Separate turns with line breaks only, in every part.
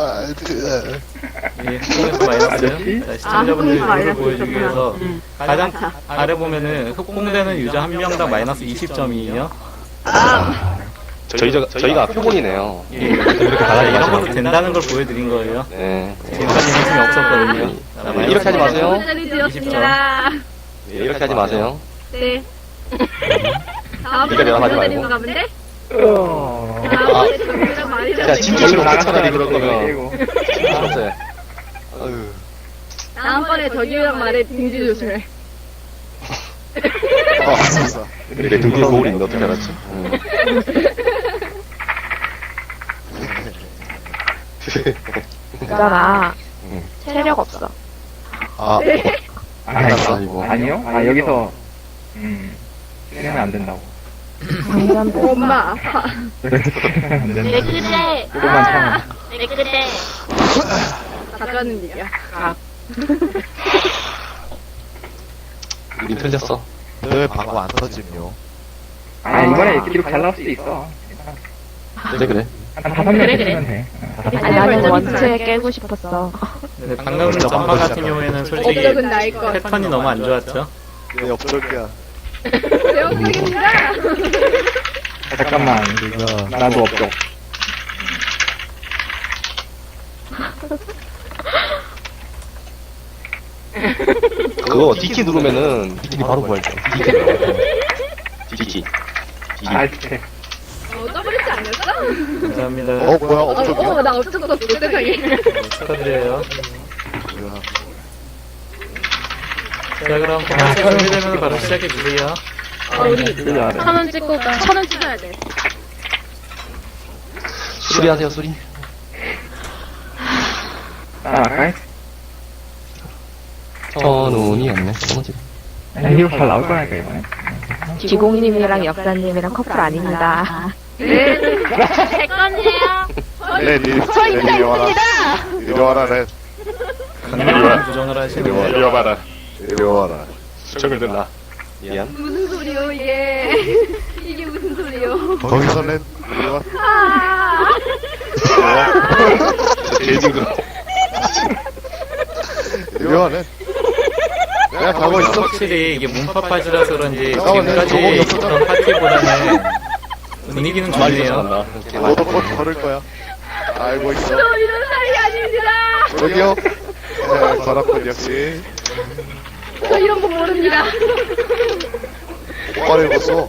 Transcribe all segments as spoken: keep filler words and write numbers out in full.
예, 흑공에서 마이너스. 자, 시청자분들
흑공에서
룰을 보여주기
마이너스
위해서
응.
가장 아래 보면은 흑공되는 유저 한 명당 마이너스 이십 점이에요.
저희, 저, 저희가 표본이네요.
예, 이렇게 아, 이런 것도 된다는 걸 보여드린 거예요.
네.
지금까지 힘이 없었거든요. 자, 마이너스
이렇게 하지 마세요.
드렸습니다.
네, 이렇게 하지 마세요.
네.
네가 내가 하지 말고.
다음번에 본데?
어.
다음번에 저기랑 많이
야,
잡히고.
진짜 싫어. 차라리 그럴 거면. 진짜. 아유.
다음번에 저기랑 말해 등지 조심해.
아, 진짜.
내 등뒤에 거울이 있는데 어떻게 알았지? 응.
있잖아.
응.
체력 없어.
아,
아,
끝났다, 이거.
아니요? 아, 여기서, 음, 쓰면 안 된다고.
방전부.
엄마 아파.
안
왜
된다.
그래?
조금만 참아.
왜 그래?
가까는 얘기야.
우린 틀렸어.
왜 방금 안 터짐요?
아, 이번에 기록 잘 나올 수도 있어.
그래, 그래.
한 다섯 명
그래, 그래.
쓰면 돼.
아니, 나는 원체 깨고 싶었어.
네, 방금 전파 같은 경우에는 솔직히
업적은 나일 것.
패턴이 너무 안 좋았죠.
내 업적이야.
배워보겠습니다.
아, 잠깐만. 나도 없죠.
그거 D키 누르면은 D키 바로 부활돼. D키 누르면. D키.
아, 진짜.
어, 더블리지 아니었어?
감사합니다.
어, 뭐야,
어,
업적이야?
어, 나 업적 썼어, 세상에.
네, 축하드려요. 자, 그럼 포커스 준비되면 바로 시작해주세요.
아, 우리
진짜.
천 원 찍고 가.
천 원 찍어야 돼.
수리하세요, 수리.
아, 아까
천운이 없네. 뭐지?
이거 잘 나올 거라니까, 이번에.
기공님이랑 역사님이랑 커플 아닙니다.
네.
제 건데요.
네, 니, 네, 이리 와라. 이리 와라, 네.
강력한 부정을
이리 와,
하시네요.
이리 와봐라. 이리 와라.
수정을 들라. 미안.
무슨 소리요, 이게. 이게 무슨 소리요.
거기서 낸, 이리 와.
아.
제일 징그러.
이리 와, 네. 내가 가고 있어.
확실히 이게 문파파지라서 그런지
잠깐만, 내가
지금까지
저거 없었잖아.
있던 파티보다는 분위기는
많이
좋네요.
잘한다.
너도 곧 걸을 거야. 알고 있어.
저 이런 사이 아닙니다.
저기요. 네, 저랑군 역시.
저 이런 거 모릅니다.
오빠를 입었어.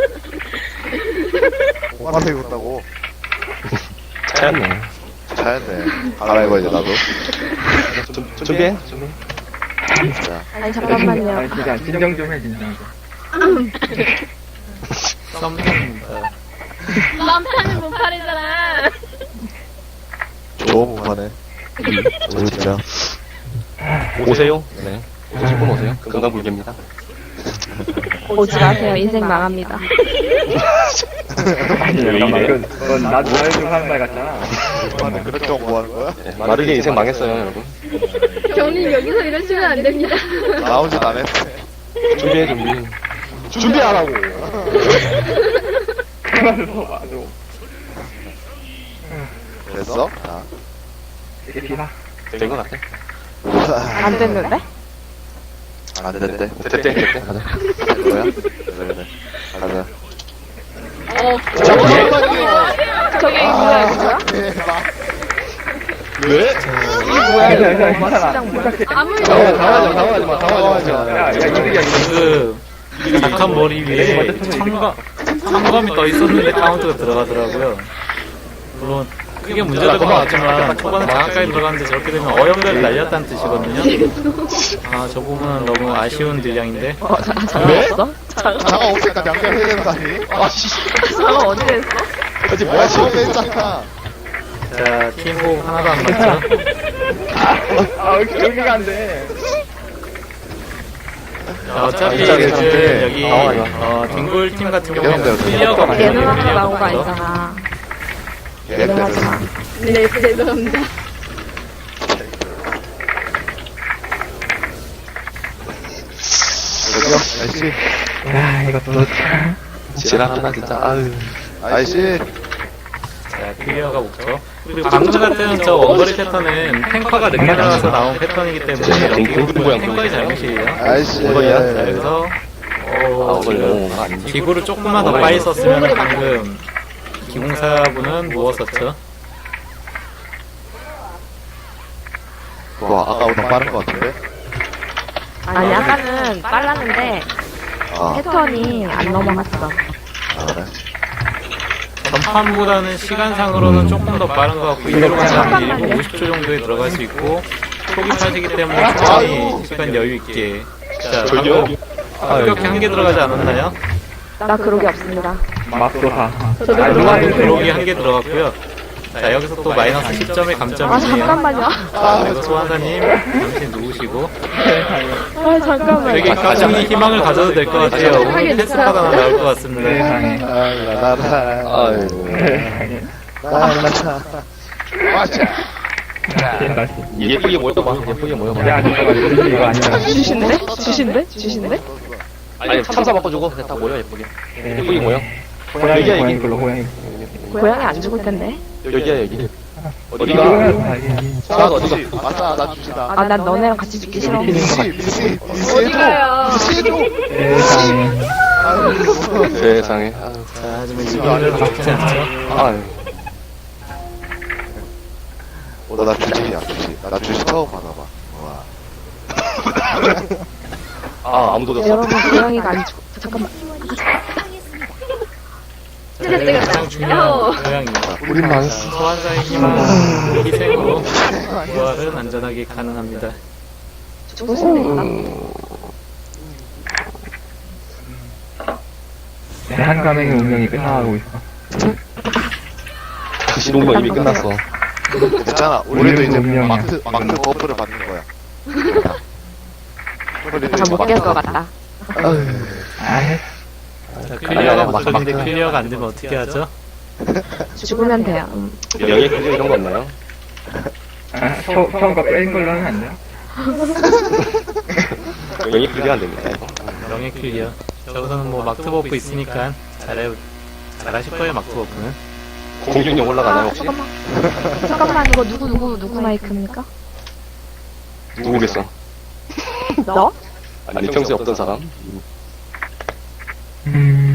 오빠를 입었다고.
차였네.
잘했네. 갈아입어야지, 나도.
좀, 준비해. 준비.
자,
아니,
아,
잠깐만요.
진짜, 진정 좀 해, 진정 좀.
썸입니다.
맘타는 못 팔이잖아.
좋은 부분에. 저 진짜.
오세요. 네. 오실 분 오세요. 건강불개입니다.
오지 마세요. 인생 망합니다.
아니, 잠깐만. 그건, 그건 나 너네 중 하는 말 같잖아.
오빠는 그렇게 뭐 하는 거야?
네, 마르게 인생 망했어요, 여러분.
경님 여기서 이러시면 안 됩니다.
나오지도 안 했어.
준비해, 준비. 준비하라고.
그만해서 맞아.
됐어? 자.
이게 비나?
된 것 같아.
안 됐는데?
안 됐대.
됐대, 됐대. 가자.
뭐야? 그래, 그래. 가자.
어.
잠깐만요.
저게 뭐야, 이거 뭐야?
대박.
왜?
뭐야, 이거
괜찮아,
뭐
괜찮아.
시장 뭐야?
아무 일
당황하지 마,
없어.
당황하지 마, 당황하지 마.
야, 야, 이득이야, 이득.
그 약한 머리 위에 참가 참감이 떠 있었는데 카운트가 들어가더라고요. 물론 크게 문제될 건 없지만 초반에 장학까지 들어갔는데 저렇게 되면 어영대를 날렸다는 뜻이거든요. 아, 저 부분은 너무 아쉬운 딜량인데.
어, 자, 장어 없어?
장어 없으니까 양념해야 되는 거 아니?
아씨.
장어 어디 됐어?
어디
뭐야,
뭐야,
처음에
지금.
했잖아.
자, 팀호흡 하나도 안 맞죠?
아, 여기, 여기가 안 돼.
자, 어차피
진짜
지금
괜찮은데.
여기
당황하지
어, 딩골 팀 같은 경우에는
예능대로
클리어가 많이
예능하고 나온 거
되거든요.
아니잖아.
얘들.
예능하지 마.
네, 죄송합니다.
저기요, 아이씨.
야, 이것도 참.
지랄하나, 진짜. 아유.
아이씨.
자, 클리어가 목적. 그리고 방금 같은 저 원거리 패턴은 탱커가 늦게 들어가서 나온 패턴이기 때문에 여기 부분은 탱커의 잘못이에요.
아이씨.
이거야?
자, 여기서
아,
어,
오늘
지금
아, 아닌지.
기구를 조금만 더 빨리 썼으면 방금 기공사분은 누웠었죠.
와, 아까보다 빠른 것 같은데?
아니, 아까는 빨랐는데,
아,
패턴이 안 넘어갔어.
아, 그래?
전판보다는 시간상으로는 조금 더 빠른 것 같고 이대로 가면 일 분 오십 초 정도에 들어갈 수 있고 초기 파시기 때문에 충분히 시간 여유 있게 자
저기요?
방금 이렇게 한 개 들어가지 않았나요?
나 그러기 없습니다.
맛도 가.
방금 들어오기 한 개 들어갔고요. 자 여기서 또 마이너스 십 점의
아,
감점이네요.
잠깐만요.
자 그래서 소환사님 당신 누구시고
아, 잠깐만요.
되게 가정이 희망을 가져도 될 것 같아요. 오늘 패스파가 하나 나올 것 같습니다.
세상에.
아, 나라.
아이고.
세상에.
나라. 맞아.
다시.
예쁘게 모여봐. 예쁘게 모여봐.
야, 잠깐만. 이거 아니야.
주신데? 주신데? 주신데?
아니, 참사 바꿔주고 그냥 다 모여, 예쁘게.
네.
예쁘게 모여.
고양이,
여기야,
고양이
여기.
걸로, 고양이.
고양이 안 죽을 텐데.
여기야, 여기. 어디가?
이거는 다 이게.
자, 어디가?
맞다, 나 주시다.
아, 난 너네랑 같이 죽기 싫어.
미시, 미시, 미시
어디
해줘.
가요?
미시 해줘.
세상에.
세상에.
자 하지만 이거는 나쁘지 않죠.
아유.
어, 나 주식이야, 주식. 나 주식 처음 받아봐. 와.
아, 아무도 없어.
여러분, 고양이가 안 죽어. 잠깐만.
찌릿 찌릿.
가장 중요한 고양이.
우린 망했어.
소환사의 힘은 희생으로 부활은 안전하게 가능합니다.
죽을 수도 있다.
내 한 가맹의 운명이 끝나가고 있어.
그 신혼만 이미 끝났어.
괜찮아. 우리도 이제
운명이야.
마크, 마크 버프를 받는 거야. 우리도
다
이제
못 깰 것
마크
같다.
아,
자, 클리어가 목적인데 클리어가 안 되면 어떻게 하죠?
죽으면 돼요. 음.
명예 클리어 이런 거 없나요?
아, 처, 처음 거 뺀 걸로 하면 안 돼요?
명예 클리어 안 됩니다, 이거.
명예 클리어. 저기서는 뭐 막트 버프 있으니까 잘해 잘하실 거예요 막트 버프는.
공격력 올라가나요, 혹시?
잠깐만. 잠깐만, 이거 누구, 누구, 누구 마이크입니까?
누구겠어?
너?
아니, 평소에 없던 사람?
음.